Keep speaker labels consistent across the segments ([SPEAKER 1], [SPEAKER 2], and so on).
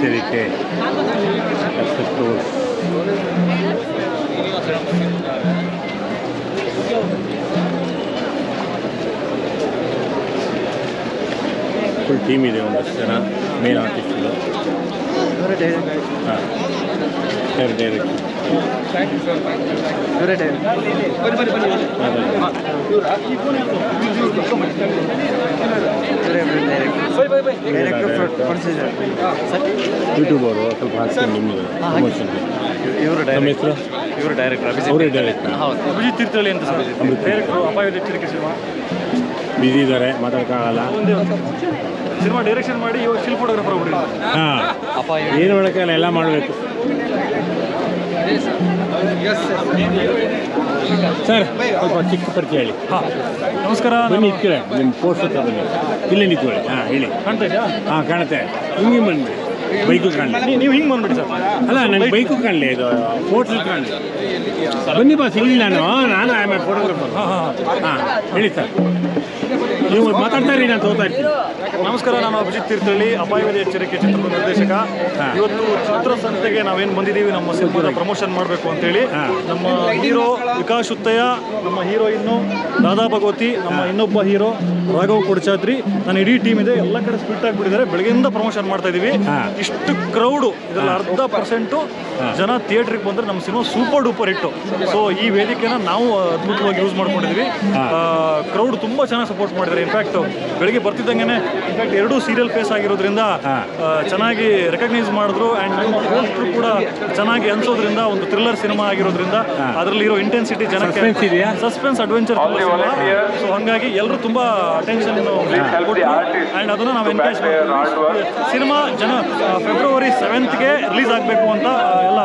[SPEAKER 1] ಎಚ್ಚರಿಕೆ full team ಇದೆ, ಒಂದಷ್ಟು ಜನ ಮೇನ್ ಆರ್ಟಿಸ್ಟ್ಗಳು. ಹಾಂ, ಡೈರೆಕ್ಟ್ ಯೂಟ್ಯೂಬರು ಸ್ವಲ್ಪ ಹಾಕ್ತೀನಿ ನಿಮ್ಮದು ಪ್ರಮೋಷನ್ಗೆ. ನಮ್ಮ ಹೆಸರು
[SPEAKER 2] ಇವರು ಡೈರೆಕ್ಟರ್,
[SPEAKER 1] ಅವರೇ ಡೈರೆಕ್ಟ್.
[SPEAKER 2] ಅಭಿಜಿತ್ ತೀರ್ಥಹಳ್ಳಿ ಅಂತ ಸರ್, ಡೈರೆಕ್ಟರ್ ಅಪಾಯದ ಎಚ್ಚರಿಕೆ ಸಿನಿಮಾ.
[SPEAKER 1] ಬಿಸಿ ಇದ್ದಾರೆ, ಮಾತಾಡೋಕ್ಕಾಗಲ್ಲ.
[SPEAKER 2] ಸಿನಿಮಾ ಡೈರೆಕ್ಷನ್ ಮಾಡಿ ಇವಾಗ ಸ್ಟಿಲ್ ಫೋಟೋಗ್ರಾಫರ್ ಒಬ್ಬರು.
[SPEAKER 1] ಹಾಂ, ಏನು ಮಾಡೋಕ್ಕಾಗಲ್ಲ, ಎಲ್ಲ ಮಾಡಬೇಕು. ಸರ್ ಸ್ವಲ್ಪ ಚಿಕ್ಕ ಪರಿಚಯ ಹೇಳಿ.
[SPEAKER 2] ಹಾಂ, ನಮಸ್ಕಾರ.
[SPEAKER 1] ಬನ್ನಿ ಇಟ್ಕೊಳ್ಳಿ, ನಿಮ್ಮ ಪೋಸ್ಟ್ ಹತ್ರ ಬನ್ನಿ, ಇಲ್ಲೇ ನಿಂತ್ಕೊಳ್ಳಿ. ಹಾಂ, ಹೇಳಿ.
[SPEAKER 2] ಕಾಣ್ತಾ ಇದೆಯಾ?
[SPEAKER 1] ಹಾಂ, ಕಾಣುತ್ತೆ. ಹಿಂಗೆ ಬಂದ್ಬಿಡಿ, ಬೈಕು ಕಾಣಲಿ.
[SPEAKER 2] ನೀವು ಹಿಂಗೆ ಬಂದ್ಬಿಡಿ ಸರ್.
[SPEAKER 1] ಅಲ್ಲ, ನನಗೆ ಬೈಕು ಕಾಣಲಿ, ಇದು ಫೋಟೋ ಕಾಣಲಿ. ಬನ್ನಿ ಬಾಸ್, ಇಲ್ಲಿ ನಾನು ಆಮೇಲೆ ಫೋಟೋಗ್ರಾಫರ್. ಹಾಂ, ಹೇಳಿ ಸರ್. ನೀವು ಮಾತಾಡ್ತಾ ಇರಿ, ನಾನು ತಗೋತಾ ಇರ್ತೀನಿ.
[SPEAKER 2] ನಮಸ್ಕಾರ, ನಾನು ಅಭಿಜಿತ್ ತೀರ್ಥಹಳ್ಳಿ, ಅಪಾಯದ ಎಚ್ಚರಿಕೆ ಚಿತ್ರದ ನಿರ್ದೇಶಕ. ಇವತ್ತು ಚಿತ್ರಸಂತೆಗೆ ನಾವೇನು ಬಂದಿದ್ದೀವಿ, ನಮ್ಮ ಸಿನಿಮಾದ ಪ್ರಮೋಷನ್ ಮಾಡಬೇಕು ಅಂತೇಳಿ. ನಮ್ಮ ಹೀರೋ ವಿಕಾಸ್ ಉತ್ತಯ್ಯ, ನಮ್ಮ ಹೀರೋಯಿನ್ನು ರಾಧಾ ಭಗವತಿ, ನಮ್ಮ ಇನ್ನೊಬ್ಬ ಹೀರೋ ರಾಘವ್ ಕೊಡಚಾದ್ರಿ, ನನ್ನ ಇಡೀ ಟೀಮ್ ಇದೆ. ಎಲ್ಲ ಕಡೆ ಸ್ಪಿಟ್ ಆಗಿಬಿಟ್ಟಿದ್ದಾರೆ. ಬೆಳಗ್ಗೆಯಿಂದ ಪ್ರಮೋಷನ್ ಮಾಡ್ತಾ ಇದ್ದೀವಿ. ಇಷ್ಟು ಕ್ರೌಡು, ಇದರಲ್ಲಿ 10% ಜನ ಥಿಯೇಟ್ರಿಗೆ ಬಂದರೆ ನಮ್ಮ ಸಿನಿಮಾ ಸೂಪರ್ ಡೂಪರ್ ಹಿಟ್ಟು. ಸೊ ಈ ವೇದಿಕೆನ ನಾವು ಅದ್ಭುತವಾಗಿ ಯೂಸ್ ಮಾಡ್ಕೊಂಡಿದ್ವಿ. ಕ್ರೌಡ್ ತುಂಬ ಚೆನ್ನಾಗಿ ಸಪೋರ್ಟ್ ಮಾಡಿದ್ದಾರೆ. ಇನ್ಫ್ಯಾಕ್ಟ್ ಬೆಳಗ್ಗೆ ಬರ್ತಿದ್ದಂಗೆ ಇನ್ಫ್ಯಾಕ್ಟ್ 2 ಸೀರಿಯಲ್ ಫೇಸ್ ಆಗಿರೋದ್ರಿಂದ ಚೆನ್ನಾಗಿ ರೆಕಗ್ನೈಸ್ ಮಾಡಿದ್ರು. ಆ್ಯಂಡ್ ನಮ್ಮ ಪೋಸ್ಟ್ರು ಕೂಡ ಚೆನ್ನಾಗಿ ಅನ್ಸೋದ್ರಿಂದ, ಒಂದು ಥ್ರಿಲ್ಲರ್ ಸಿನಿಮಾ ಆಗಿರೋದ್ರಿಂದ ಅದರಲ್ಲಿರೋ ಇಂಟೆನ್ಸಿಟಿ ಜನಕ್ಕೆ ಸಸ್ಪೆನ್ಸ್ ಅಡ್ವೆಂಚರ್ ಸಿನಿಮಾ. ಸೊ ಹಾಗಾಗಿ ಎಲ್ಲರೂ ತುಂಬ ಅಟೆನ್ಷನ್ ಕೊಟ್ಟರು ಆ್ಯಂಡ್ ಅದನ್ನು ನಾವು ಎನ್ಕರೇಜ್ ಮಾಡ್ತೀವಿ. ಸಿನಿಮಾ ಫೆಬ್ರವರಿ 7th ರಿಲೀಸ್ ಆಗಬೇಕು ಅಂತ ಎಲ್ಲ.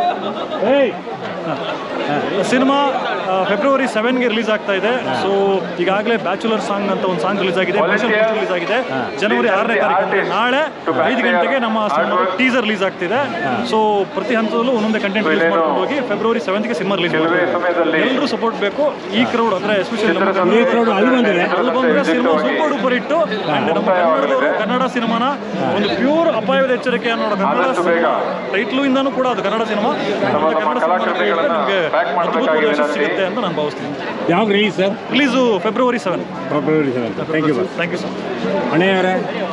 [SPEAKER 2] ಸಿನಿಮಾ ಫೆಬ್ರವರಿ 7ಗೆ ರಿಲೀಸ್ ಆಗ್ತಾ ಇದೆ. ಸೊ ಈಗಾಗಲೇ ಬ್ಯಾಚುಲರ್ ಸಾಂಗ್ ಅಂತ ಒಂದು ಸಾಂಗ್ ರಿಲೀಸ್ ಆಗಿದೆ, ರಿಲೀಸ್ ಆಗಿದೆ. ಜನವರಿ 6ನೇ ತಾರೀಕು ನಾಳೆ 5 ಗಂಟೆಗೆ ನಮ್ಮ ಟೀಸರ್ ರಿಲೀಸ್ ಆಗ್ತಿದೆ. ಸೊ ಪ್ರತಿ ಹಂತದಲ್ಲೂ ಒಂದೊಂದೇ ಕಂಟೆಂಟ್ ರಿಲೀಸ್ ಮಾಡ್ಕೊಂಡು ಹೋಗಿ ಫೆಬ್ರವರಿ 7ಗೆ ಸಿನಿಮಾ ರಿಲೀಸ್ ಮಾಡ್ತೀವಿ. ಎಲ್ಲರೂ ಸಪೋರ್ಟ್ ಬೇಕು. ಈ ಕ್ರೌಡ್ ಅಂದರೆ ಎಸ್ಪೆಷಲಿ ಅಲ್ಲಿ ಬಂದರೆ ಸಿನಿಮಾ ಸೂಪರ್ ಡೂಪರ್ ಇಟ್ಟು. ನಮ್ಮ ಕನ್ನಡದವರು ಕನ್ನಡ ಸಿನಿಮಾನ ಒಂದು ಪ್ಯೂರ್ ಅಪಾಯದ ಎಚ್ಚರಿಕೆ ಅನ್ನೋ ಕನ್ನಡ ಸಿನಿಮಾ ಟೈಟ್ಲು ಇಂದಾನು ಕೂಡ ಅದು ಕನ್ನಡ ಸಿನಿಮಾ. ನಮಗೆ ಅದ್ಭುತವಾದ ಯಶಸ್ಸು ಸಿಗುತ್ತೆ ಅಂತ ನಾನು ಭಾವಿಸ್ತೀನಿ.
[SPEAKER 1] ಯಾವಾಗ release sir?
[SPEAKER 2] Release February 7.
[SPEAKER 1] Thank you sir. ಅಣ್ಣಯ್ಯವರೇ,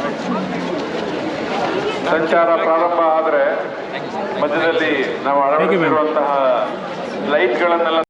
[SPEAKER 3] ಸಂಚಾರ ಪ್ರಾರಂಭ ಆದರೆ ಮಧ್ಯದಲ್ಲಿ ನಾವು ಅಳವಡಿಸಿರುವಂತಹ ಲೈಟ್ಗಳನ್ನೆಲ್ಲ